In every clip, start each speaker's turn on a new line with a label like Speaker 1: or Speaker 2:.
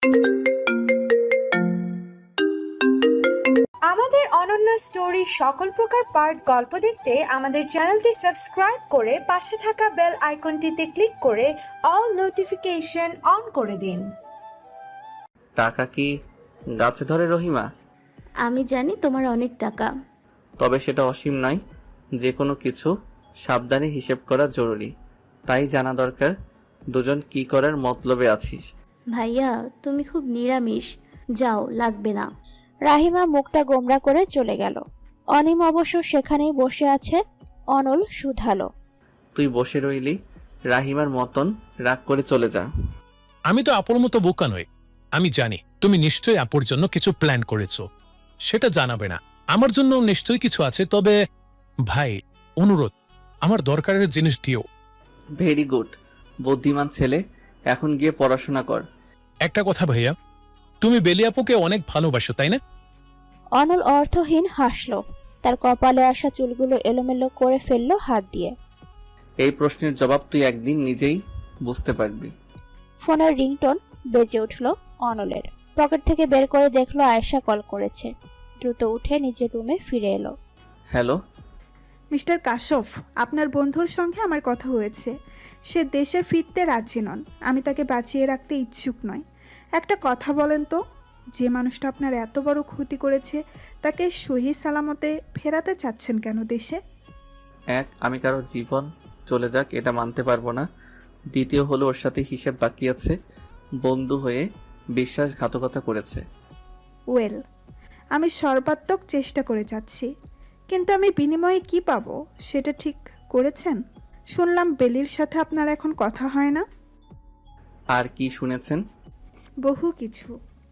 Speaker 1: আমাদের অনন্য স্টোরি সকল প্রকার পার্ট গল্প দেখতে আমাদের চ্যানেলটি সাবস্ক্রাইব করে পাশে থাকা বেল আইকনটিতে ক্লিক করে অল নোটিফিকেশন অন করে দিন।
Speaker 2: টাকা কি গাছে ধরে রহিমা?
Speaker 3: আমি জানি তোমার অনেক টাকা,
Speaker 2: তবে সেটা অসীম নয়। যে কোনো কিছু সাবধানে হিসেব করা জরুরি, তাই জানা দরকার দুজন কি করার মতলবে আছিস।
Speaker 3: ভাইয়া তুমি খুব নিরামিষ, যাও লাগবে না।
Speaker 4: রাহিমা মুখটা গোমরা করে চলে গেল। অনিম অবশ্য সেখানেই বসে আছে। অনল শুধালো,
Speaker 2: তুই বসে রইলি, রাহিমার মতন রাগ করে চলে যা।
Speaker 5: আমি তো আপুর মতো বোকা নই। আমি জানি তুমি নিশ্চয়ই আপুর জন্য কিছু প্ল্যান করেছো, সেটা জানাবে না। আমার জন্য নিশ্চয়ই কিছু আছে, তবে ভাই অনুরোধ, আমার দরকারের জিনিস দিও।
Speaker 2: ভেরি গুড, বুদ্ধিমান ছেলে, এখন গিয়ে পড়াশোনা কর।
Speaker 5: একটা কথা ভাইয়া, তুমি বেলি আপুকে অনেক ভালোবাসো তাই না?
Speaker 4: অনল অর্থহীন হাসল। তার কপালে আসা চুলগুলো এলোমেলো করে ফেললো হাত দিয়ে।
Speaker 2: এই প্রশ্নের জবাব তুই একদিন নিজেই বুঝতে পারবি।
Speaker 4: ফোনের রিংটোন বেজে উঠল অনলের। পকেট থেকে বের করে দেখলো আয়েশা কল করেছে। দ্রুত উঠে নিজের রুমে ফিরে এলো।
Speaker 2: হ্যালো
Speaker 6: মিস্টার কাশফ, আপনার বন্ধুর সঙ্গে আমার কথা হয়েছে। সে দেশে ফিরতে রাজি নন। আমি তাকে বাঁচিয়ে রাখতে ইচ্ছুক নয়। একটা কথা বলেন তো, যে মানুষটা আপনার এত বড় ক্ষতি করেছে তাকে সহি সালামতে ফেরাতে চাচ্ছেন কেন দেশে?
Speaker 2: এক, আমি কারো জীবন চলে যাক এটা মানতে পারবো না। দ্বিতীয় হলো, ওর সাথে হিসেব বাকি আছে। বন্ধু হয়ে বিশ্বাসঘাতকতা করেছে।
Speaker 6: ওয়েল, আমি সর্বাত্মক চেষ্টা করে যাচ্ছি, কিন্তু আমি বিনিময়ে কি পাবো সেটা ঠিক করেছেন? শুনলাম বেলির সাথে আপনার এখন কথা হয় না।
Speaker 2: আর কি শুনেছেন?
Speaker 6: বহু কিছু।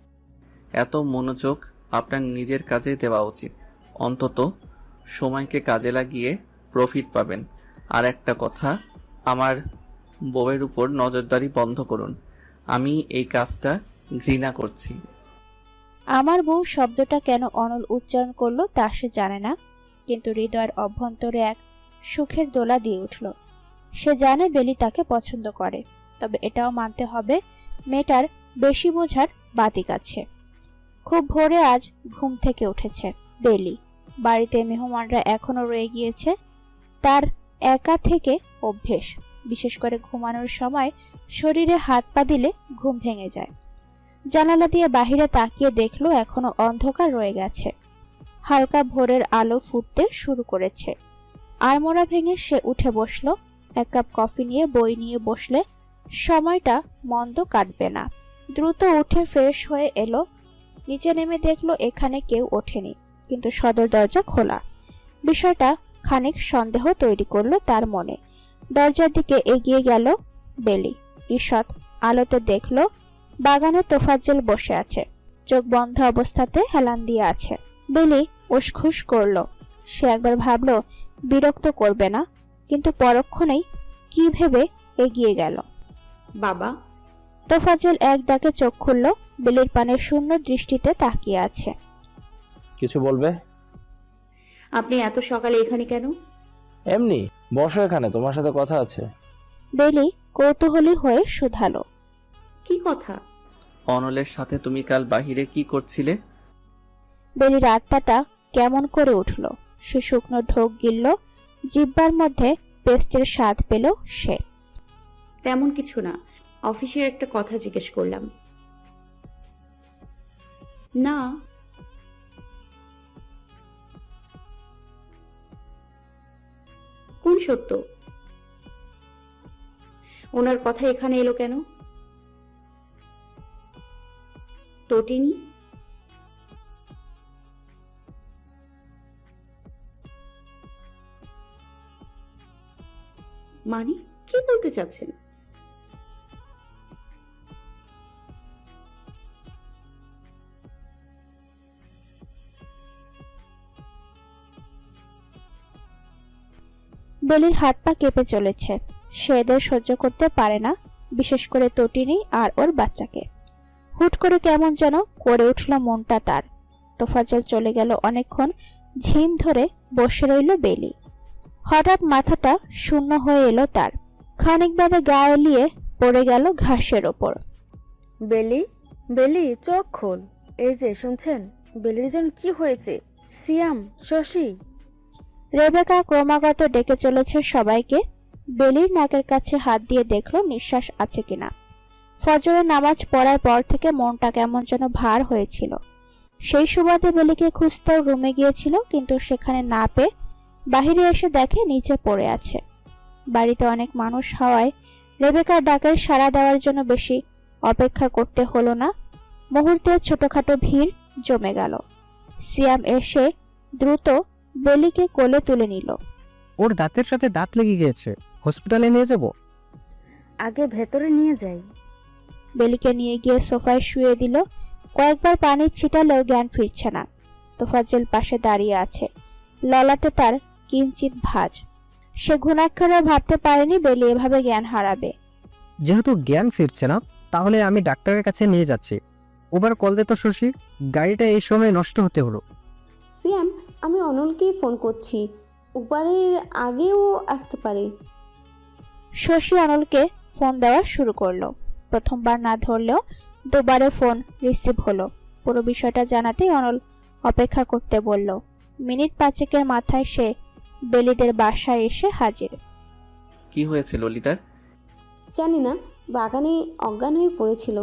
Speaker 2: এত মনোযোগ আপনার নিজের কাজে দেওয়া উচিত। অন্তত সময়কে কাজে লাগিয়ে প্রফিট পাবেন। আর একটা কথা, আমার বউয়ের উপর নজরদারি বন্ধ করুন। আমি এই কাজটা ঘৃণা করছি।
Speaker 4: আমার বউ শব্দটা কেন অনল উচ্চারণ করলো তা সে জানে না, কিন্তু হৃদয়ের অভ্যন্তরে এক সুখের দোলা দিয়ে উঠল। সে জানে বেলি তাকে পছন্দ করে, তবে এটাও মানতে হবে মেয়েটার বেশি বোঝার বাতিক আছে। খুব ভোরে আজ ঘুম থেকে উঠেছে বেলি। বাড়িতে মেহমানরা এখনো রয়ে গিয়েছে। তার একা থেকে অভ্যেস, বিশেষ করে ঘুমানোর সময় শরীরে হাত পা দিলে ঘুম ভেঙে যায়। জানালা দিয়ে বাহিরে তাকিয়ে দেখলো এখনো অন্ধকার রয়ে গেছে। হালকা ভোরের আলো ফুটতে শুরু করেছে। আড়মোড়া ভেঙে সে উঠে বসলো। এক কাপ কফি নিয়ে বই নিয়ে বসলে সময়টা মন্দ কাটবে না। দ্রুত উঠে ফ্রেশ হয়ে এলো। নিচে নেমে দেখলো এখানে কেউ ওঠেনি, কিন্তু সদর দরজা খোলা। বিষয়টা খানিক সন্দেহ তৈরি করলো তার মনে। দরজার দিকে এগিয়ে গেল বেলি। ঈষৎ আলোতে দেখলো বাগানে তোফাজ্জল বসে আছে, চোখ বন্ধ অবস্থাতে হেলান দিয়ে আছে। বেলি উসখুস করলো। সে একবার ভাবলো বিরক্ত করবে না, কিন্তু পরক্ষণেই কি ভেবে এগিয়ে গেল।
Speaker 7: বাবা।
Speaker 4: তোফাজ্জল এক ডাকে চোখ খুলল। বেলির পানে শূন্য দৃষ্টিতে তাকিয়ে আছে।
Speaker 8: কিছু বলবে?
Speaker 7: আপনি এত সকালে এখানে কেন?
Speaker 8: এমনি বসো, এখানে তোমার সাথে কথা আছে।
Speaker 4: বেলি কৌতূহলী হয়ে শুধালো,
Speaker 7: কি কথা?
Speaker 2: অনলের সাথে তুমি কাল বাহিরে কি করছিলে?
Speaker 4: বেলির আত্মাটা কেমন করে উঠল। সে শুকনো ঢোক গিলল। জিহ্বার মধ্যে পেস্টের স্বাদ পেল সে।
Speaker 7: তেমন কিছু না, অফিসের একটা কথা জিজ্ঞেস করলাম। না। কোন সত্য? ওনার কথা এখানে এলো কেন? তটিনী? মানে কি বলতে চাচ্ছেন?
Speaker 4: বেলির হাত পা কেঁপে চলেছে। সে এদের সহ্য করতে পারে না, বিশেষ করে তটিনী আর ওর বাচ্চাকে। হুট করে কেমন যেন করে উঠল মনটা তার। তোফাজ্জল চলে গেল অনেকক্ষণ ঝিম ধরে বসে রইল বেলি। হঠাৎ মাথাটা শূন্য হয়ে এলো তার। খানিক বাদে গা এলিয়ে পড়ে গেল ঘাসের ওপর।
Speaker 7: বেলি,
Speaker 9: বেলি চোখ খোল। এই যে শুনছেন, বেলির যেন কি হয়েছে? সিয়াম, শশী।
Speaker 4: রেবেকা ক্রমাগত ডেকে চলেছে সবাইকে। বেলির নাকের কাছে হাত দিয়ে দেখলো নিঃশ্বাস আছে কিনা। ফজরের নামাজ পড়ার পর থেকে মনটা কেমন যেন ভার হয়েছিল। সেই সুবাদে বেলিকে খুঁজতেও রুমে গিয়েছিল, কিন্তু সেখানে না পেয়ে বাহিরে এসে দেখে নিচে পড়ে আছে। বাড়িতে অনেক মানুষ হওয়ায় রেবেকার ডাকের সাড়া দেওয়ার জন্য বেশি অপেক্ষা করতে হলো না। মুহূর্তে ছোটখাটো ভিড় জমে গেল। সিয়াম এসে দ্রুত বেলিকে কোলে তুলে নিল।
Speaker 10: ওর দাঁতের সাথে দাঁত লেগে গিয়েছে, হসপিটালে নিয়ে যাব।
Speaker 9: আগে ভেতরে নিয়ে যাই।
Speaker 4: বেলিকে নিয়ে গিয়ে সোফায় শুয়ে দিল। কয়েকবার পানি ছিটালেও জ্ঞান ফিরছে না। তোফাজ্জল পাশে দাঁড়িয়ে আছে, ললাটে তার কিঞ্চিত ভাঁজ। সে ঘুণাক্ষরে ভাবতে পারেনি বেলি এভাবে জ্ঞান হারাবে।
Speaker 10: যেহেতু জ্ঞান ফিরছে না, তাহলে আমি ডাক্তারের কাছে নিয়ে যাচ্ছি। ওবার কল দে তো শশী, গাড়িটা এই সময় নষ্ট হতে হলো।
Speaker 7: সিয়াম, আমি অনলকেই ফোন করছি, উবারের আগেও আসতে পারে।
Speaker 4: শশী অনলকে ফোন দেওয়া শুরু করলো। প্রথমবার না ধরলেও দুবারে ফোন রিসিভ হলো। পুরো বিষয়টা জানাতেই অনল অপেক্ষা করতে বলল। মিনিট 5 মাথায় সে বেলিদের বাসায় এসে হাজির।
Speaker 2: কি হয়েছে ললিতার?
Speaker 7: জানি না, বাগানে অজ্ঞান হয়ে পড়েছিল।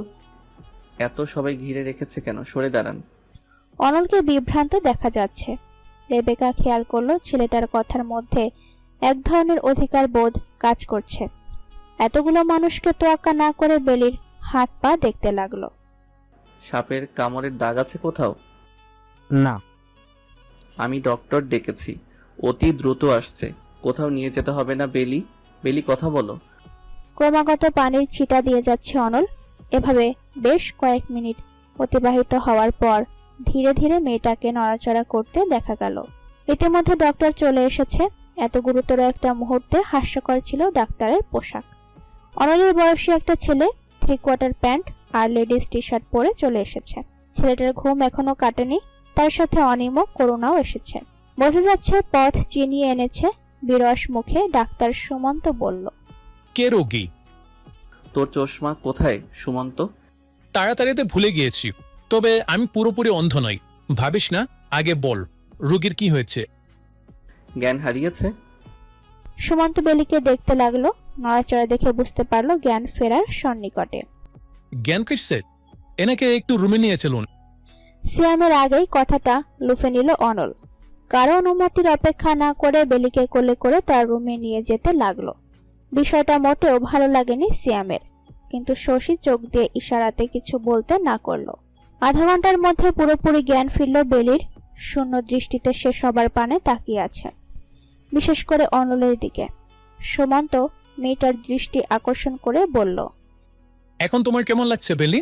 Speaker 2: এত সবাই ঘিরে রেখেছে কেন? সরে দাঁড়ান।
Speaker 4: অনলকে বিভ্রান্ত দেখা যাচ্ছে। রেবেকা খেয়াল করলো ছেলেটার কথার মধ্যে এক ধরনের অধিকার বোধ কাজ করছে। এতগুলো মানুষকে তোয়াক্কা না করে বেলির হাত পা দেখতে লাগলো।
Speaker 2: সাপের কামড়ের দাগ আছে কোথাও?
Speaker 10: না।
Speaker 2: আমি ডক্টর ডেকেছি, অতি দ্রুত আসছে। কোথাও নিয়ে যেতে হবে না। বেলি, বেলি কথা বলো।
Speaker 4: ক্রমাগত পানির ছিটা দিয়ে যাচ্ছে অনল। এভাবে বেশ কয়েক মিনিট অতিবাহিত হওয়ার পর ধীরে ধীরে মেয়েটাকে নড়াচড়া করতে দেখা গেল। ইতিমধ্যে ডক্টর চলে এসেছে। এত গুরুতর একটা মুহূর্তে হাস্যকর ছিল ডাক্তারের পোশাক। অনলের বয়সী একটা ছেলে 3/4 প্যান্ট আর লেডিস টি শার্ট পরে চলে এসেছে। ছেলেটার ঘুম এখনো কাটেনি, তার সাথে অনিম করুণাও এসেছে। বোঝা যাচ্ছে পথ চিনিয়ে এনেছে। বিরস মুখে ডাক্তার সুমন্ত বলল,
Speaker 5: কে রোগী?
Speaker 2: তোর চশমা কোথায় সুমন্ত?
Speaker 5: তাড়াতাড়িতে ভুলে গিয়েছি, তবে আমি পুরোপুরি অন্ধ নই। ভাবিস না, আগে বল রোগীর কি হয়েছে?
Speaker 2: জ্ঞান হারিয়েছে।
Speaker 4: সুমন্ত বেলিকে দেখতে লাগলো। নড়াচড়া দেখে বুঝতে পারলো জ্ঞান ফেরার সন্নিকটে।
Speaker 5: জ্ঞান ফিরছে? এনাকে একটু রুমে নিয়ে চলুন।
Speaker 4: সিয়ামের আগেই কথাটা লুফে নিল অনল। কারো অনুমতির অপেক্ষা না করে বেলিকে কোলে করে তার রুমে নিয়ে যেতে লাগলো। বিষয়টা মোটেও ভালো লাগেনি সিয়ামের, কিন্তু শশী চোখ দিয়ে ইশারাতে কিছু বলতে না করলো। আধা ঘন্টার মধ্যে পুরোপুরি জ্ঞান ফিরল বেলির। শূন্য দৃষ্টিতে সে সবার পানে তাকিয়ে আছে, বিশেষ করে অনলের দিকে। সুমন্ত মেয়েটার দৃষ্টি আকর্ষণ করে বলল,
Speaker 5: এখন তোমার কেমন লাগছে বেলি?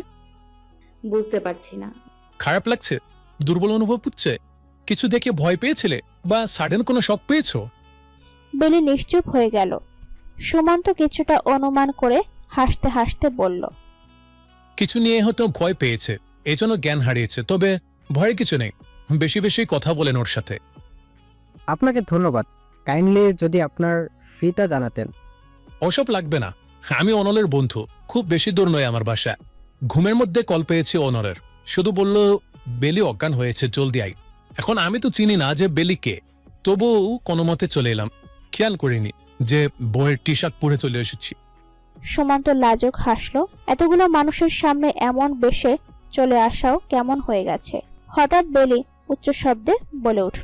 Speaker 7: বুঝতে পারছি না।
Speaker 5: খারাপ লাগছে? দুর্বল অনুভব হচ্ছে? কিছু দেখে ভয় পেয়েছিলে বা সাডেন কোনো শক পেয়েছো?
Speaker 4: বেলি নিশ্চুপ হয়ে গেল। সুমন্ত কিছুটা অনুমান করে হাসতে হাসতে বলল,
Speaker 5: কিছু নিয়ে হয়তো ভয় পেয়েছে, এজন্য জ্ঞান হারিয়েছে। তবে ভয়ের কিছু নেই, বেশি বেশি কথা বলেন ওর সাথে।
Speaker 10: আপনাকে ধন্যবাদ। কাইন্ডলি যদি আপনার ফিটা জানাতেন।
Speaker 5: ওসব লাগবে না, আমি অনলের বন্ধু। খুব বেশি দূর নয় আমার বাসা। ঘুমের মধ্যে কল পেয়েছি অনলের, শুধু বলল বেলি অজ্ঞান হয়েছে, জলদি আই। এখন আমি তো চিনি না যে বেলি কে, তবুও কোনো মতে চলে এলাম। খেয়াল করিনি যে বইয়ের টি শার্ট পরে চলে এসেছি।
Speaker 4: সুমন্ত লাজুক হাসলো। এতগুলো মানুষের সামনে এমন বেশে চলে আসাও কেমন হয়ে গেছে। হঠাৎ বেলি উচ্চ শব্দে বলে উঠল,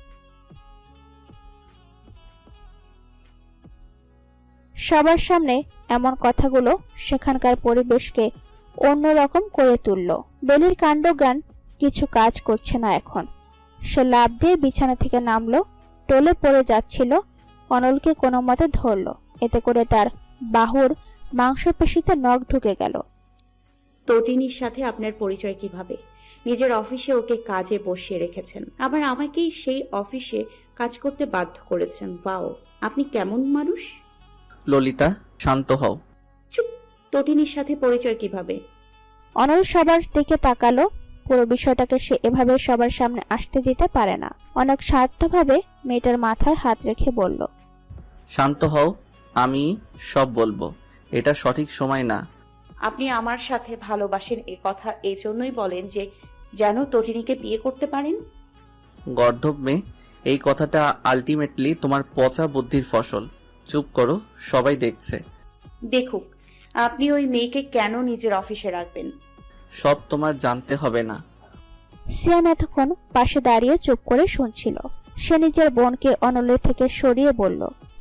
Speaker 4: সবার সামনে এমন কথাগুলো সেখানকার পরিবেশকে অন্যরকম করে তুলল। বেলির কাণ্ডজ্ঞান কিছু কাজ করছে না এখন। সে লাফ দিয়ে বিছানা থেকে নামলো, টলে পড়ে যাচ্ছিল। অনলকে কোনো মতে ধরল। এতে করে তার বাহুর মাংসপেশিতে নখ ঢুকে গেল।
Speaker 7: তটিনীর সাথে আপনার পরিচয় কিভাবে? নিজের অফিসে ওকে কাজে বসিয়ে রেখেছেন, আবার আমাকেই সেই অফিসে কাজ করতে বাধ্য করেছেন। ওয়াও, আপনি কেমন মানুষ!
Speaker 2: ললিতা, শান্ত হও।
Speaker 7: চুপ! তটিনীর সাথে পরিচয় কিভাবে?
Speaker 4: অনল সবার দিকে তাকালো। পুরো বিষয়টাকে সে এভাবে সবার সামনে আসতে দিতে পারে না। অনেক স্বার্থভাবে মেয়েটার মাথায় হাত রেখে বলল,
Speaker 2: শান্ত হও, আমি সব বলবো। এটা সঠিক সময় না।
Speaker 7: আপনি আমার সাথে ভালোবাসেন এ কথা এই জন্যই বলেন যে যেন তটিনীকে বিয়ে করতে পারেন।
Speaker 2: গর্ধব মেয়ে, এই কথাটা আলটিমেটলি তোমার পচা বুদ্ধির ফসল। চুপ করো, সবাই দেখছে।
Speaker 7: দেখুক, আপনি ওই মেয়েকে কেন নিজের অফিসে রাখবেন?
Speaker 2: সব তোমার জানতে হবে না।
Speaker 4: সিয়াম এতক্ষণ পাশে দাঁড়িয়ে চুপ করে শুনছিল। সে নিজের বোনকে অনলের থেকে সরিয়ে বলল,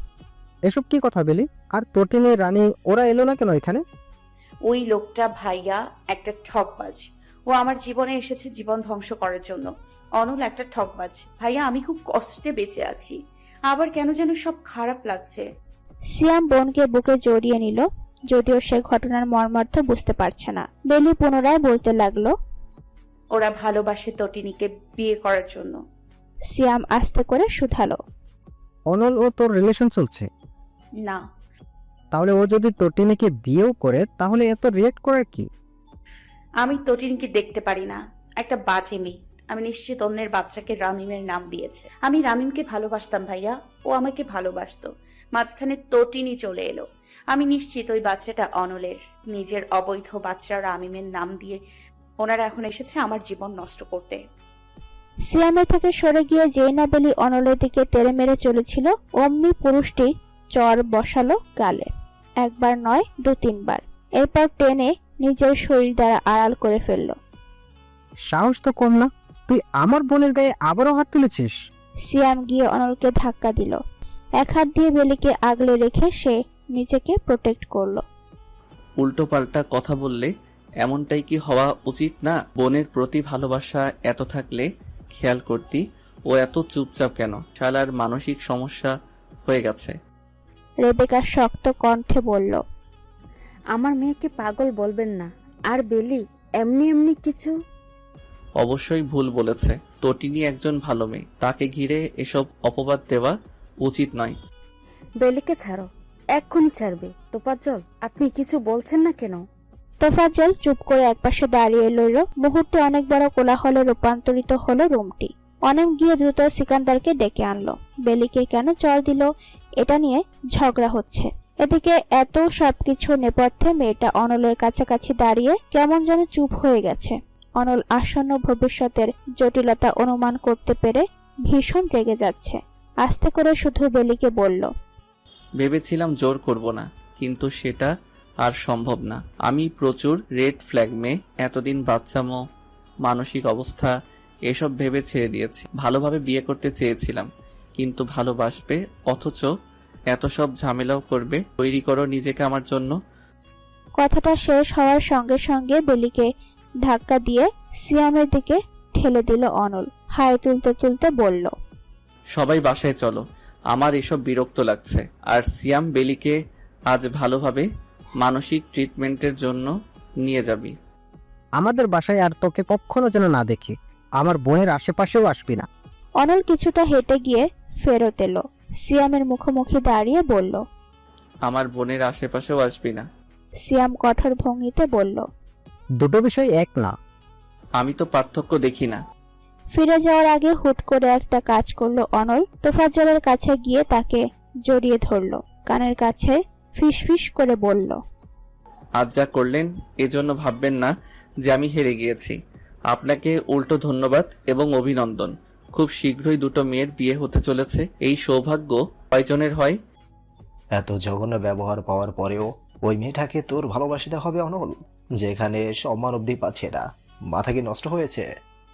Speaker 10: এসব কি কথা বেলি? আর তটিনী, রানী ওরা এলো না কেন এখানে?
Speaker 7: ওই লোকটা ভাইয়া একটা ঠকবাজ। ও আমার জীবনে এসেছে জীবন ধ্বংস করার জন্য। অনল একটা ঠকবাজ। ভাইয়া, আমি খুব কষ্টে বেঁচে আছি, আবার কেন যেন সব খারাপ লাগছে।
Speaker 4: সিয়াম বোনকে বুকে জড়িয়ে নিল, যদিও সে ঘটনার মর্মার্থ বুঝতে পারছে না। বেলি পুনরায় বলতে লাগলো,
Speaker 7: ওরা ভালোবাসে তটিনীকে বিয়ে করার জন্য।
Speaker 4: সিয়াম আস্তে করে শুধালো,
Speaker 10: অনল ও তোর রিলেশন চলছে?
Speaker 7: না।
Speaker 10: তাহলে ও যদি তটিনীকে বিয়েও করে তাহলে এত রিয়েক্ট করার কি?
Speaker 7: আমি তটিনীকে দেখতে পারি না, একটা বাজে মেয়ে। আমি নিশ্চিত অন্যের বাচ্চাকে রামিমের নাম দিয়েছে। আমি রামিমকে ভালোবাসতাম ভাইয়া, ও আমাকে ভালোবাসতো। মাঝখানে তটিনী চলে এলো। আমি নিশ্চিত ওই বাচ্চাটা অনলের। নিজের অবৈধ বাচ্চা রামিমের নাম দিয়ে ওনারা এখন এসেছে আমার জীবন নষ্ট করতে।
Speaker 4: সিয়ামের থেকে সরে গিয়ে যেই না বেলি অনলের দিকে তেড়ে মেরে চলেছিল, অমনি পুরুষটি চর বসালো গালে। একবার নয়, 2-3 বার। এরপর টেনে নিজের শরীর দ্বারা আড়াল করে ফেলল।
Speaker 10: সাহস তো কম না, তুই আমার বোনের গায়ে আবারও হাত তুলেছিস।
Speaker 4: সিয়াম গিয়ে অনলকে ধাক্কা দিল। এক হাত দিয়ে বেলিকে আগলে রেখে সে নিজেকে প্রোটেক্ট করলো।
Speaker 2: উল্টো পাল্টা কথা বললে এমনটাই কি হওয়া উচিত না? বোনের প্রতি ভালোবাসা এত থাকলে খেয়াল করতি ও এত চুপচাপ কেন? শালার মানসিক সমস্যা হয়ে গেছে।
Speaker 4: রেবেকা শক্ত কণ্ঠে বলল,
Speaker 9: আমার মেয়েকে পাগল বলবেন না। আর বেলি এমনি এমনি কিছু।
Speaker 2: অবশ্যই ভুল বলেছে। তটিনী একজন ভালো মেয়ে, তাকে ঘিরে এসব অপবাদ দেওয়া উচিত নয়।
Speaker 9: বেলিকে ছাড়ো, এক্ষুনি ছাড়বে। তোফাজ্জল, আপনি কিছু বলছেন না কেন?
Speaker 4: তোফাজ্জল চুপ করে একপাশে দাঁড়িয়ে রইল। মুহূর্তে অনেক বড় কোলাহলে রূপান্তরিত হলো রুমটি। অনেক গিয়ে দ্রুত সিকান্দারকে ডেকে আনলো। বেলিকে কেন চর দিল এটা নিয়ে ঝগড়া হচ্ছে। এদিকে এত সবকিছু নেপথ্যে মেয়েটা অনলের কাছাকাছি দাঁড়িয়ে কেমন যেন চুপ হয়ে গেছে। অনল আসন্ন ভবিষ্যতের জটিলতা অনুমান করতে পেরে ভীষণ রেগে যাচ্ছে। আস্তে করে শুধু বেলিকে বলল,
Speaker 2: ভেবেছিলাম জোর করব না, কিন্তু সেটা আর সম্ভব না। আমি প্রচুর রেড ফ্ল্যাগ মেয়ে। এতদিন বাচ্চামো, মানসিক অবস্থা এসব ভেবে ছেড়ে দিয়েছি। ভালোভাবে বিয়ে করতে চেয়েছিলাম, কিন্তু ভালোবাসবে অথচ এত সব ঝামেলাও করবে। তৈরি করো নিজেকে আমার জন্য।
Speaker 4: কথাটা শেষ হওয়ার সঙ্গে সঙ্গে বেলিকে ধাক্কা দিয়ে সিয়ামের দিকে ঠেলে দিল অনল। হাই তুলতে তুলতে বলল,
Speaker 2: সবাই বাসায় চলো, আমার এসব বিরক্ত লাগছে। আর সিয়াম, বেলিকে আজ ভালোভাবে মানসিক ট্রিটমেন্টের জন্য নিয়ে যাবি।
Speaker 10: আমাদের বাসায় আর তোকে কখনো যেন না দেখি। আমার বোনের আশেপাশেও আসবি না।
Speaker 4: অনল কিছুটা হেঁটে গিয়ে ফেরত এলো। সিয়ামের মুখোমুখি দাঁড়িয়ে বলল,
Speaker 2: আমার বোনের আশেপাশেও আসবি না।
Speaker 4: সিয়াম কঠোর ভঙ্গিতে বলল,
Speaker 10: দুটো বিষয় এক না।
Speaker 2: আমি তো পার্থক্য দেখি না।
Speaker 4: ফিরে যাওয়ার আগে হুট করে একটা কাজ করলো অনল। তোফাজ্জলের কাছে গিয়ে তাকে জড়িয়ে ধরলো। কানের কাছে ফিসফিস করে বলল,
Speaker 2: আজ যা করলেন এজন্য ভাববেন না যে আমি হেরে গিয়েছি। আপনাকে উল্টো ধন্যবাদ এবং অভিনন্দন। খুব শীঘ্রই দুটো মেয়ের বিয়ে হতে চলেছে। এই সৌভাগ্য কয়জনের হয়?
Speaker 11: এত জঘন্য ব্যবহার পাওয়ার পরেও ওই মেয়েটাকে তোর ভালোবাসতে হবে অনল, যেখানে সম্মান অবধি পাচ্ছে না। মাথা কি নষ্ট হয়েছে?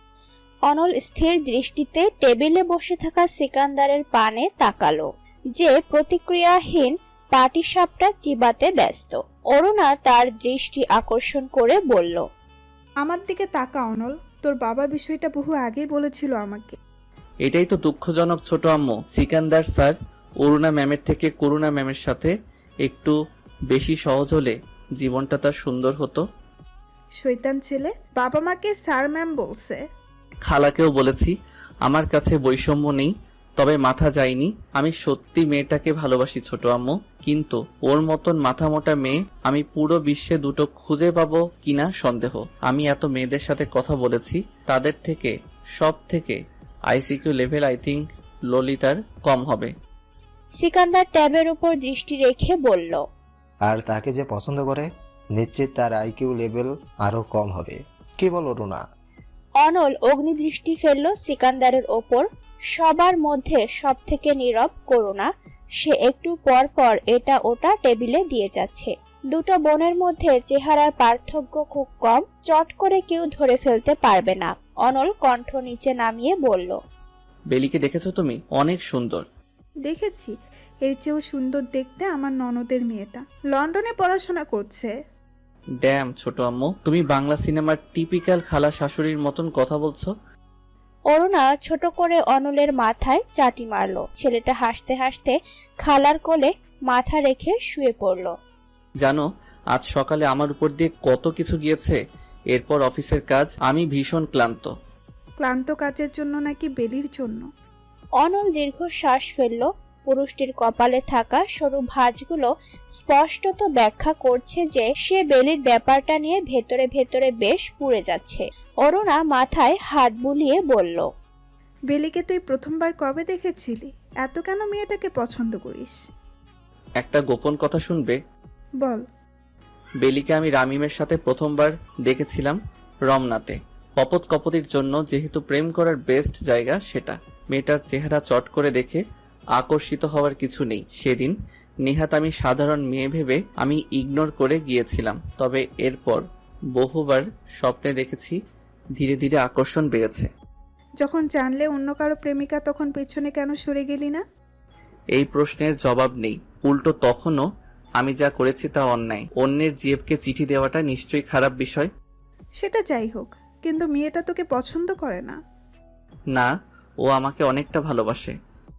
Speaker 4: অনল স্থির দৃষ্টিতে টেবিলে বসে থাকা সিকান্দারের পানে তাকালো, যে প্রতিক্রিয়াহীন পাটিসাপটা চিবাতে ব্যস্ত। অরুণা তার দৃষ্টি আকর্ষণ করে বলল,
Speaker 6: আমার দিকে তাকা অনল, তোর বাবা বিষয়টা বহু আগেই বলেছিল আমাকে।
Speaker 2: এটাই তো দুঃখজনক ছোট আম্মু। সিকান্দার স্যার অরুণা ম্যামের থেকে করুণা ম্যামের সাথে একটু বেশি সহজ হলে জীবনটা তার সুন্দর হতো।
Speaker 6: শয়তান ছেলে, বাবা মাকে স্যার ম্যাম বলছে।
Speaker 2: খালাকেও বলেছি। আমার কাছে বৈষম্য নেই, তবে মাথা যায়নি। আমি সত্যি মেয়েটাকে ভালোবাসি ছোট আম্মু, কিন্তু ওর মতন মাথা মোটা মেয়ে আমি পুরো বিশ্বে দুটো খুঁজে পাবো কিনা সন্দেহ। আমি এত মেয়েদের সাথে কথা বলেছি, তাদের থেকে সব থেকে আইসিকিউ লেভেল আই থিঙ্ক ললিতার কম হবে।
Speaker 4: সিকান্দার ট্যাবের উপর দৃষ্টি রেখে বলল,
Speaker 11: আর তাকে যে পছন্দ করে নিশ্চিত তার আইকিউ লেভেল আরও কম হবে। কি বলো রুনা?
Speaker 4: অনল অগ্নিদৃষ্টি ফেলল সিকান্দারের ওপর। সবার মধ্যে সব থেকে নীরব করুণা। সে একটু পর পর এটা ওটা টেবিলে দিয়ে যাচ্ছে। দুটো বোনের মধ্যে চেহারার পার্থক্য খুব কম, চট করে কেউ ধরে ফেলতে পারবে না। অনল কণ্ঠ নিচে নামিয়ে বলল,
Speaker 2: বেলিকে দেখেছো তুমি? অনেক সুন্দর।
Speaker 6: দেখেছি, এর চেয়েও সুন্দর দেখতে আমার ননদের মেয়েটা, লন্ডনে পড়াশোনা করছে।
Speaker 2: ড্যাম ছোট আম্মু, তুমি বাংলা সিনেমার টিপিক্যাল খালা শাশুড়ির মতন কথা বলছো।
Speaker 4: অরুণা ছোট করে অনলের মাথায় চাটি মারল। ছেলেটা হাসতে হাসতে খালার কোলে মাথা রেখে শুয়ে পড়ল।
Speaker 2: জানো, আজ সকালে আমার উপর দিয়ে কত কিছু গিয়েছে। এরপর অফিসের কাজ, আমি ভীষণ ক্লান্ত।
Speaker 6: ক্লান্ত কাজের জন্য নাকি বেলির জন্য?
Speaker 4: অনল দীর্ঘশ্বাস ফেলল। পুরুষটির কপালে থাকা সরু ভাঁজগুলো স্পষ্টত ব্যাখ্যা করছে যে সে বেলির ব্যাপারটা নিয়ে ভেতরে ভেতরে বেশ পুড়ে যাচ্ছে। অরুণা মাথায় হাত বুলিয়ে বলল,
Speaker 6: বেলিকে তুই প্রথমবার কবে দেখেছিলি? এত কেন মেয়েটাকে পছন্দ করিস?
Speaker 2: একটা গোপন কথা শুনবে?
Speaker 6: বল।
Speaker 2: বেলিকে আমি রামিমের সাথে প্রথমবার দেখেছিলাম রমনাতে। কপত কপতির জন্য যেহেতু প্রেম করার বেস্ট জায়গা সেটা। মেয়েটার চেহারা চট করে দেখে আকর্ষিত হওয়ার কিছু নেই। সেদিন নিহাত আমি সাধারণ মেয়ে ভেবে আমি ইগনোর করে গিয়েছিলাম। তবে এরপর বহুবার স্বপ্নে দেখেছি, ধীরে ধীরে আকর্ষণ বেড়েছে।
Speaker 6: যখন জানলে অন্য কারো প্রেমিকা, তখন পেছনে কেন সরে গেলি না?
Speaker 2: এই প্রশ্নের জবাব নেই। উল্টো তখনও আমি যা করেছি তা অন্যায়। অন্যের জিএফকে চিঠি দেওয়াটা নিশ্চয়ই খারাপ বিষয়।
Speaker 6: সেটা যাই হোক, কিন্তু মেয়েটা তোকে পছন্দ করে না।
Speaker 2: না, ও আমাকে অনেকটা ভালোবাসে।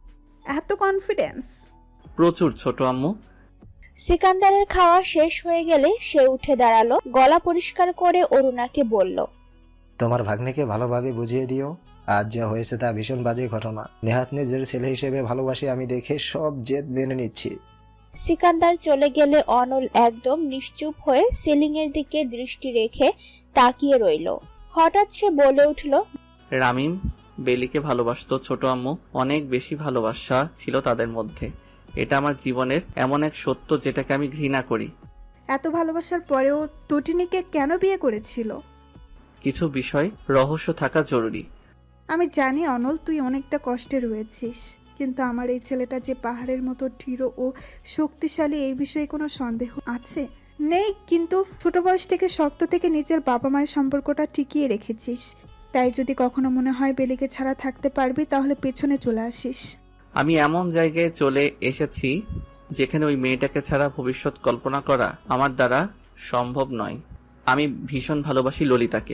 Speaker 6: এত কনফিডেন্স?
Speaker 2: প্রচুর ছোট আম্মু।
Speaker 4: সিকান্দারের খাওয়া শেষ হয়ে গেলে সে উঠে দাঁড়ালো। গলা পরিষ্কার করে অরুণাকে বলল,
Speaker 11: তোমার ভাগ্নেকে ভালোভাবে বুঝিয়ে দিও, আজ যা হয়েছে তা ভীষণ বাজে ঘটনা। নেহাত নিজের ছেলে হিসেবে ভালোবাসি আমি দেখে সব জেদ মেনে নিচ্ছি।
Speaker 4: সিকান্দার চলে গেলে অনল একদম নিশ্চুপ হয়ে সিলিং এর দিকে দৃষ্টি রেখে তাকিয়ে রইল। হঠাৎ সে বলে উঠল,
Speaker 2: রামিম বেলিকে ভালোবাসতো ছোট আম্মু। অনেক বেশি ভালোবাসা ছিল তাদের মধ্যে। এটা আমার জীবনের এমন এক সত্য যেটাকে আমি ঘৃণা করি।
Speaker 6: এত ভালোবাসার পরেও তটিনীকে কেন বিয়ে করেছিল?
Speaker 2: কিছু বিষয় রহস্য থাকা জরুরি।
Speaker 6: আমি জানি অনল, তুই অনেকটা কষ্টে রয়েছিস, কিন্তু আমার এই ছেলেটা যে পাহাড়ের মতো দৃঢ় ও শক্তিশালী, এই বিষয়ে কোনো সন্দেহ আছে? নেই, কিন্তু ছোট বয়স থেকে শক্ত থেকে নিজের বাবা মায়ের সম্পর্কটা টিকিয়ে রেখেছিস। তাই যদি কখনো মনে হয় বেলিকে ছাড়া থাকতে পারবি, তাহলে পেছনে চলে আসিস।
Speaker 2: আমি এমন জায়গায় চলে এসেছি যেখানে ওই মেয়েটাকে ছাড়া ভবিষ্যৎ কল্পনা করা আমার দ্বারা সম্ভব নয়। আমি ভীষণ ভালোবাসি ললিতাকে।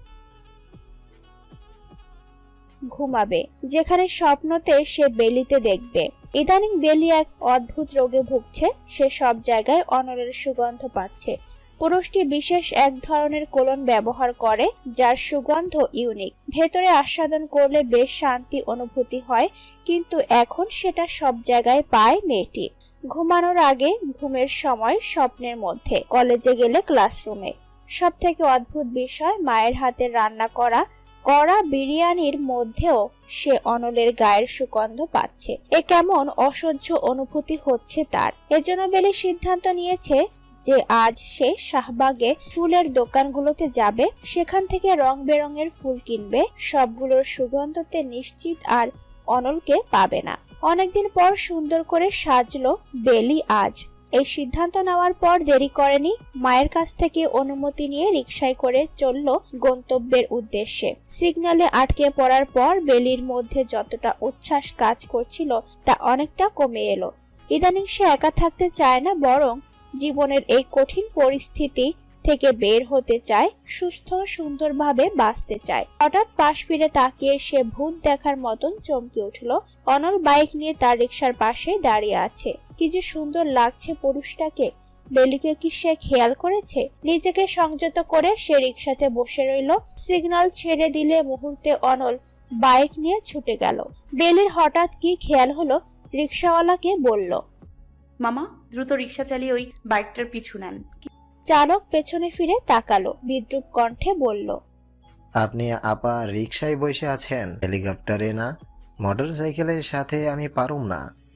Speaker 4: ঘুমাবে, যেখানে স্বপ্নতে সে বেলিতে দেখবে। ইদানিং বেলি এক অদ্ভুত রোগে ভুগছে। সে সব জায়গায় অনলের সুগন্ধ পাচ্ছে। পুরুষটি বিশেষ এক ধরনের কোলন ব্যবহার করে যার সুগন্ধ ইউনিক। ভেতরে আস্বাদন করলে বেশ শান্তি অনুভূতি হয়, কিন্তু এখন সেটা সব জায়গায় পায় মেয়েটি। ঘুমানোর আগে, ঘুমের সময়, স্বপ্নের মধ্যে, কলেজে গেলে ক্লাসরুমে। সব থেকে অদ্ভুত বিষয়, মায়ের হাতের রান্না করা বিরিয়ানির মধ্যেও সে অনলের গায়ের সুগন্ধ পাচ্ছে। এ কেমন অসহ্য অনুভূতি হচ্ছে তার। এজন্য বেলি সিদ্ধান্ত নিয়েছে যে আজ সে শাহবাগে ফুলের দোকানগুলোতে যাবে, সেখান থেকে রং বেরঙের ফুল কিনবে। সবগুলোর সুগন্ধতে নিশ্চিত আর অনলকে পাবে না। অনেকদিন পর সুন্দর করে সাজলো বেলি আজ। এই সিদ্ধান্ত নেওয়ার পর দেরি করেনি। মায়ের কাছ থেকে অনুমতি নিয়ে রিকশায় করে চলল গন্তব্যের উদ্দেশ্যে। সিগন্যালে আটকে পড়ার পর বেলির মধ্যে যতটা উচ্ছ্বাস কাজ করছিল তা অনেকটা কমে এলো। ইদানিং সে একা থাকতে চায় না, বরং জীবনের এই কঠিন পরিস্থিতি থেকে বের হতে চায়, সুস্থ সুন্দরভাবে বাঁচতে চায়। হঠাৎ পাশ ফিরে তাকিয়ে সে ভূত দেখার মতন চমকে উঠল। অনল বাইক নিয়ে তার রিকশার পাশে দাঁড়িয়ে আছে। কি যে সুন্দর লাগছে পুরুষটাকে। বেলিকে কি সে খেয়াল করেছে? নিজেকে সংযত করে সে রিকশাতে বসে রইল। সিগন্যাল ছেড়ে দিলে মুহূর্তে অনল বাইক নিয়ে ছুটে গেল। বেলির হঠাৎ কি খেয়াল হলো, রিকশাওয়ালাকে বলল,
Speaker 7: মামা দ্রুত রিক্সা চালিয়ে ওই বাইকটার পিছু নেন।
Speaker 4: চালক পেছনে ফিরে তাকালো, বিদ্রুপ কণ্ঠে বলল,
Speaker 11: আপনি আপা রিকশায় বসে আছেন, হেলিকপ্টারে না, মোটর সাইকেলের সাথে আমি পারুম না।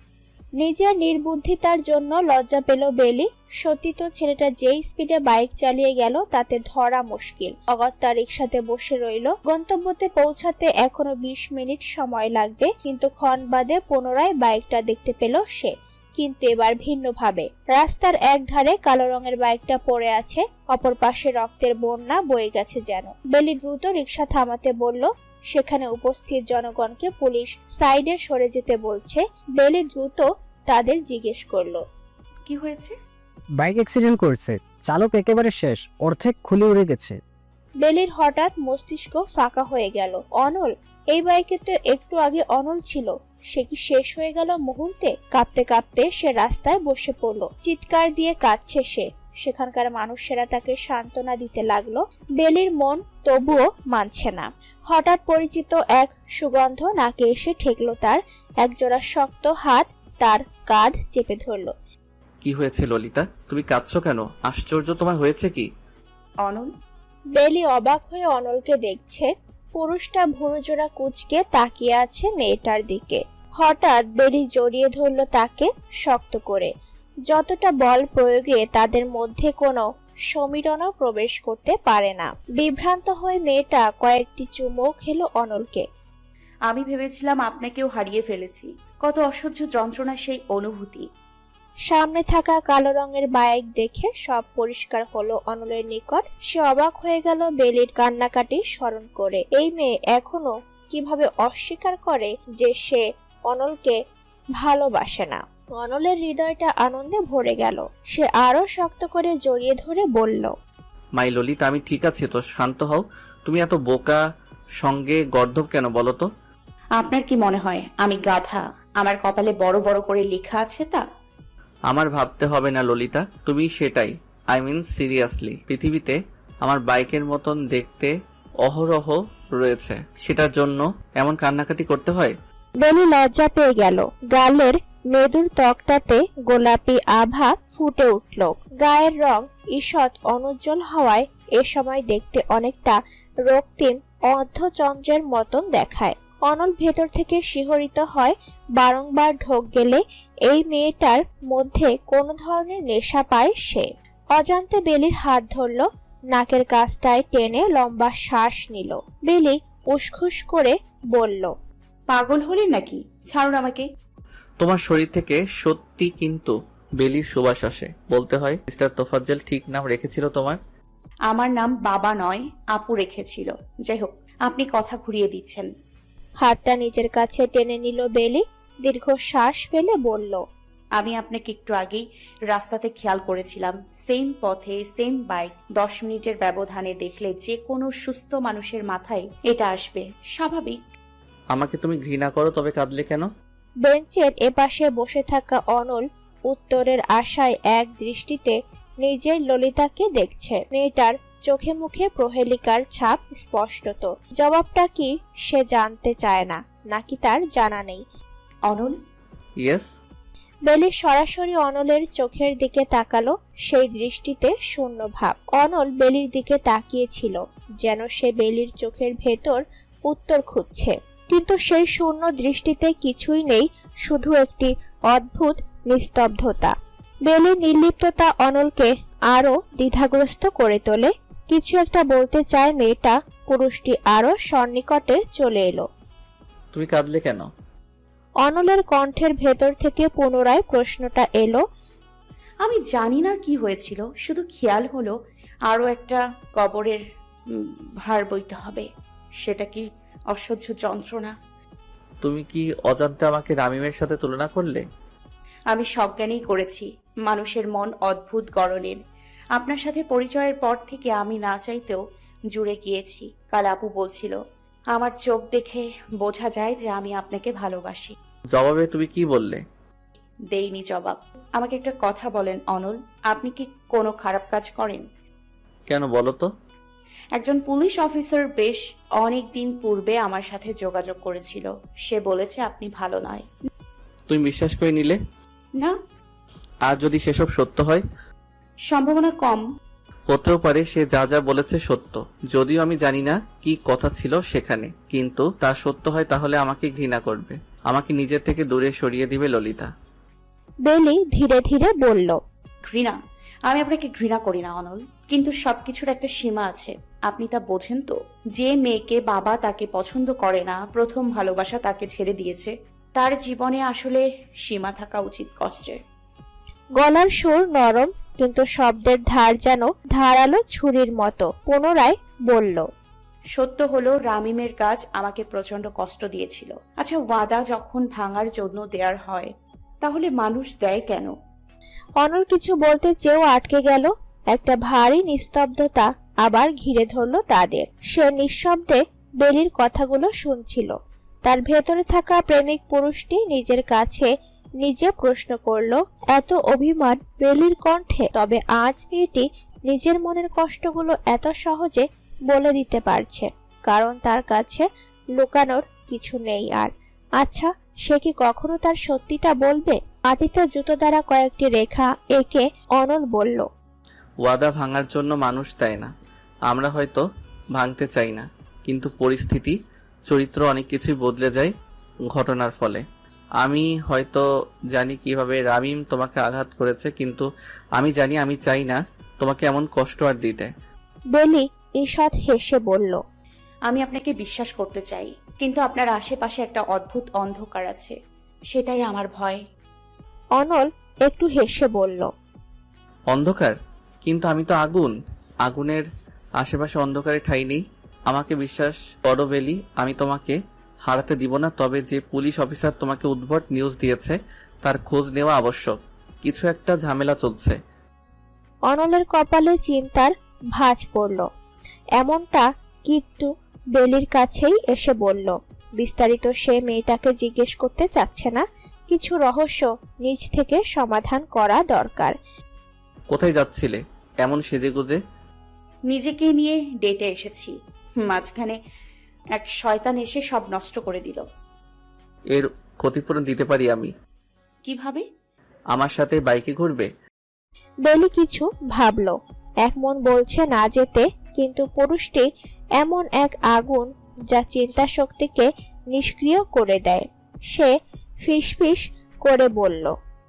Speaker 4: নিজের নির্বুদ্ধিতার জন্য লজ্জা পেল বেলি। সত্যি তো ছেলেটা যেই স্পিডে বাইক চালিয়ে গেল তাতে ধরা মুশকিল। অগত্যা রিকশাতে বসে রইল। গন্তব্যতে পৌঁছাতে এখনো 20 মিনিট সময় লাগবে, কিন্তু ক্ষণ বাদে পুনরায় বাইকটা দেখতে পেল সে, কিন্তু এবার ভিন্নভাবে। রাস্তার এক ধারে কালো রঙের বাইকটা পড়ে আছে, অপর পাশে রক্তের বন্যা বয়ে গেছে যেন। বেলি দ্রুত রিকশা থামাতে বলল। সেখানে উপস্থিত জনগণকে পুলিশ সাইডে সরে যেতে বলছে। বেলি দ্রুত তাদের জিজ্ঞেস করলো,
Speaker 7: কি হয়েছে?
Speaker 10: বাইক অ্যাক্সিডেন্ট করেছে, চালক একেবারে শেষ, অর্ধেক খুলে উড়ে গেছে।
Speaker 4: বেলির হঠাৎ মস্তিষ্ক ফাঁকা হয়ে গেল। অনল, এই বাইকে তো একটু আগে অনল ছিল, সে কি শেষ হয়ে গেল মুহূর্তে? কাঁপতে কাঁপতে সে রাস্তায় বসে পড়ল। চিৎকার দিয়ে কাঁদছে সে। সেখানকার মানুষেরা তাকে সান্ত্বনা দিতে লাগলো। বেলির মন তবুও মানছে না। হঠাৎ পরিচিত এক সুগন্ধ নাকে এসে ঠেকলো তার। একজোড়া শক্ত হাত তার কাঁধ চেপে ধরলো।
Speaker 2: কি হয়েছে ললিতা? তুমি কাঁদছো কেন? আশ্চর্য, তোমার হয়েছে কি?
Speaker 7: অনল।
Speaker 4: বেলি অবাক হয়ে অনলকে দেখছে। পুরুষটা ভুরুজোড়া কুঁচকে তাকিয়ে আছে মেয়েটার দিকে। হঠাৎ বেলি জড়িয়ে ধরলো তাকে শক্ত করে। যতটা বল প্রয়োগে তাদের মধ্যে কোনো সমীরণও প্রবেশ করতে পারে না। বিভ্রান্ত হয়ে মেয়েটা কয়েকটি চুমু খেলো অনলকে।
Speaker 7: আমি ভেবেছিলাম আপনাকেও হারিয়ে ফেলেছি। কত অসহ্য যন্ত্রণা সেই অনুভূতি।
Speaker 4: সামনে থাকা কালো রঙের বাইক দেখে সব পরিষ্কার হলো অনলের নিকট। সে অবাক হয়ে গেল বেলির কান্নাকাটি স্মরণ করে। এই মেয়ে এখনো কিভাবে অস্বীকার করে যে সে অনলকে ভালোবাসে না। অনলের হৃদয়টা আনন্দে ভরে গেল। সে আরো শক্ত করে জড়িয়ে ধরে বলল,
Speaker 2: মাই ললিতা, আমি ঠিক আছি তো, শান্ত হও। তুমি এত বোকা সঙ্গে গর্ধব কেন বলো তো?
Speaker 7: আপনার কি মনে হয় আমি গাধা? আমার কপালে বড় বড় করে লেখা আছে তা?
Speaker 2: আমার ভাবতে হবে না ললিতা, তুমি সেটাই। আই মিন সিরিয়াসলি, পৃথিবীতে আমার বাইকের মতন দেখতে অহরহ রয়েছে, সেটার জন্য এমন কান্নাকাটি করতে হয়?
Speaker 4: বেলি লজ্জা পেয়ে গেল। গালের মেদুর ত্বকটাতে গোলাপি আভা ফুটে উঠল। গায়ের রং ঈষৎ অনুজ্জ্বল হওয়ায় এ সময় দেখতে অনেকটা রক্তিম অর্ধচন্দ্রের মতন দেখায়। অনল ভেতর থেকে শিহরিত হয়। বারংবার ঢোক গেলে এই মেয়েটার মধ্যে কোনো ধরনের নেশা পায় সে। অজান্তে বেলির হাত ধরল, নাকের কাছটায় টেনে লম্বা শ্বাস নিল। বেলি উসখুস করে বলল,
Speaker 7: পাগল হলি নাকি? ছাড়ুন আমাকে।
Speaker 2: তোমার শরীর থেকে সত্যি কিন্তু বেলির সুবাস আসে। বলতে হয় মিস্টার তোফাজ্জল ঠিক নাম রেখেছিল তোমার।
Speaker 7: আমার নাম বাবা নয়, আপু রেখেছিল। যাই হোক, আপনি কথা ঘুরিয়ে দিচ্ছেন।
Speaker 4: হাতটা নিজের কাছে টেনে নিল বেলি। দীর্ঘ শ্বাস ফেলে বলল,
Speaker 7: আমি আপনাকে একটু আগেই রাস্তাতে খেয়াল করেছিলাম। সেম পথে সেম বাইক। 10 মিনিটের ব্যবধানে দেখলে যে কোনো সুস্থ মানুষের মাথায় এটা আসবে, স্বাভাবিক।
Speaker 2: আমাকে তুমি ঘৃণা করো, তবে কাঁদলে কেন?
Speaker 4: বেঞ্চের এপাশে বসে থাকা অনল উত্তরের আশায় এক দৃষ্টিতে নিজের ললিতাকে দেখছে। মেয়েটার চোখে মুখে প্রহেলিকার ছাপ স্পষ্টত। জবাবটা কি সে জানতে চায় না, নাকি তার জানা নেই।
Speaker 7: অনল।
Speaker 2: ইয়েস।
Speaker 4: বেলি সরাসরি অনলের চোখের দিকে তাকালো। সেই দৃষ্টিতে শূন্য ভাব। অনল বেলির দিকে তাকিয়েছিল, যেন সে বেলির চোখের ভেতর উত্তর খুঁজছে, কিন্তু সেই শূন্য দৃষ্টিতে কিছুই নেই, শুধু একটি অদ্ভুত নিস্তব্ধতা। বেলির নির্লিপ্ততা অনলকে আরো দ্বিধাগ্রস্ত করে তোলে। কিছু একটা বলতে চায় মেয়েটা। পুরুষটি আরো সন্নিকটে চলে এলো।
Speaker 2: তুমি কাঁদলে কেন?
Speaker 4: অনলের কণ্ঠের ভেতর থেকে পুনরায় প্রশ্নটা এলো।
Speaker 7: আমি জানি না কি হয়েছিল, শুধু খেয়াল হলো আরো একটা কবরের ভার বইতে হবে। সেটা কি অসহ্য যন্ত্রণা।
Speaker 2: তুমি কি অজান্তে আমাকে রামিমের সাথে তুলনা করলে?
Speaker 7: আমি সজ্ঞানেই করেছি। মানুষের মন অদ্ভুত গড়নের। আপনার সাথে পরিচয়ের পর থেকে আমি না চাইতেও জুড়ে গিয়েছি। কাল আপু বলছিল, আমার চোখ দেখে বোঝা যায় যে আমি আপনাকে ভালোবাসি।
Speaker 2: জবাবে তুমি কি বললে?
Speaker 7: দেইনি জবাব। আমাকে একটা কথা বলেন অনল, আপনি কি কোনো খারাপ কাজ করেন?
Speaker 2: কেন বলো তো?
Speaker 7: একজন পুলিশ অফিসার বেশ অনেক দিন পূর্বে আমার সাথে যোগাযোগ করেছিল। সে বলেছে আপনি ভালো নয়।
Speaker 2: তুমি বিশ্বাস করে নিলে?
Speaker 7: না।
Speaker 2: আর যদি সেসব সত্য হয়?
Speaker 7: সম্ভাবনা কম।
Speaker 2: হতেও পারে সে যা যা বলেছে সত্য। যদিও আমি জানি না কি কথা ছিল সেখানে, কিন্তু তা সত্য হয় তাহলে আমাকে ঘৃণা করবে, আমাকে নিজের থেকে দূরে সরিয়ে দিবে ললিতা।
Speaker 4: বেলি ধীরে ধীরে বলল।
Speaker 7: ঘৃণা? আমি আপনাকে ঘৃণা করি না অনল, কিন্তু সবকিছুর একটা সীমা আছে। আপনি তা বোঝেন তো? যে মেয়েকে বাবা তাকে পছন্দ করে না, প্রথম ভালোবাসা তাকে ছেড়ে দিয়েছে, তার জীবনে আসলে সীমা থাকা উচিত কষ্টের।
Speaker 4: গলার সুর নরম, কিন্তু শব্দের ধার যেন ধারালো ছুরির মতো। পুনরায় বলল।
Speaker 7: সত্য হলো রামিমের কাজ আমাকে প্রচন্ড কষ্ট দিয়েছিল। আচ্ছা, ওয়াদা যখন ভাঙার জন্য দেয়ার হয়, তাহলে মানুষ দেয় কেন?
Speaker 4: অনল কিছু বলতে চেয়েও আটকে গেল। একটা ভারী নিস্তব্ধতা আবার ঘিরে ধরল তাদের। সে নিঃশব্দে বেলির কথাগুলো শুনছিল। তার ভেতরে থাকা প্রেমিক পুরুষটি নিজের কাছে নিজে প্রশ্ন করল, এত অভিমান বেলির কণ্ঠে? তবে আজ মেয়েটি নিজের মনের কষ্টগুলো এত সহজে বলে দিতে পারছে, কারণ তার কাছে লুকানোর কিছু নেই আর। আচ্ছা, সে কি কখনো তার সত্যিটা বলবে? মাটিতে জুতো দ্বারা কয়েকটি রেখা এঁকে অনল বলল।
Speaker 2: ওয়াদা ভাঙার জন্য মানুষ দেয় না। আমরা হয়তো ভাঙতে চাই না, কিন্তু পরিস্থিতি, চরিত্র অনেক কিছুই বদলে যায় ঘটনার ফলে। আমি হয়তো জানি কিভাবে রামিম তোমাকে আঘাত করেছে, কিন্তু আমি জানি আমি চাই না তোমাকে এমন কষ্ট আর দিতে।
Speaker 4: বেলি ঈষৎ হেসে বলল।
Speaker 7: আমি আপনাকে বিশ্বাস করতে চাই, কিন্তু আপনার আশেপাশে একটা অদ্ভুত অন্ধকার আছে, সেটাই আমার ভয়।
Speaker 4: অনল একটু হেসে বলল।
Speaker 2: অন্ধকার? কিন্তু আমি তো আগুন। আগুনের আশেপাশে অন্ধকারে ঠাঁই নেই। আমাকে বিশ্বাস করো বেলি, আমি তোমাকে হারাতে দিব না। তবে যে পুলিশ অফিসার তোমাকে উদ্ভট নিউজ দিয়েছে, তার খোঁজ নেওয়া আবশ্যক। কিছু একটা ঝামেলা চলছে।
Speaker 4: অনলের কপালে চিন্তার ভাঁজ পড়ল। এমনটা কিন্তু বেলির কাছেই এসে বলল। বিস্তারিত সে মেয়েটাকে জিজ্ঞেস করতে চাচ্ছে না। কিছু রহস্য নিজ থেকে সমাধান করা দরকার।
Speaker 2: কোথায় যাচ্ছিলে এমন সেজেগুজে?
Speaker 7: নিজেকে নিয়ে ডেটে এসেছি, মাঝখানে এক শয়তান এসে সব নষ্ট করে দিল।
Speaker 2: এর ক্ষতিপূরণ দিতে পারি আমি।
Speaker 7: কিভাবে?
Speaker 2: আমার সাথে বাইকে ঘুরবে?
Speaker 4: বেলি কিছু ভাবল। এক মন বলছে না যেতে, কিন্তু পুরুষটি এমন এক আগুন যা চিন্তা শক্তিকে নিষ্ক্রিয় করে দেয়। সে ফিসফিস করে বলল।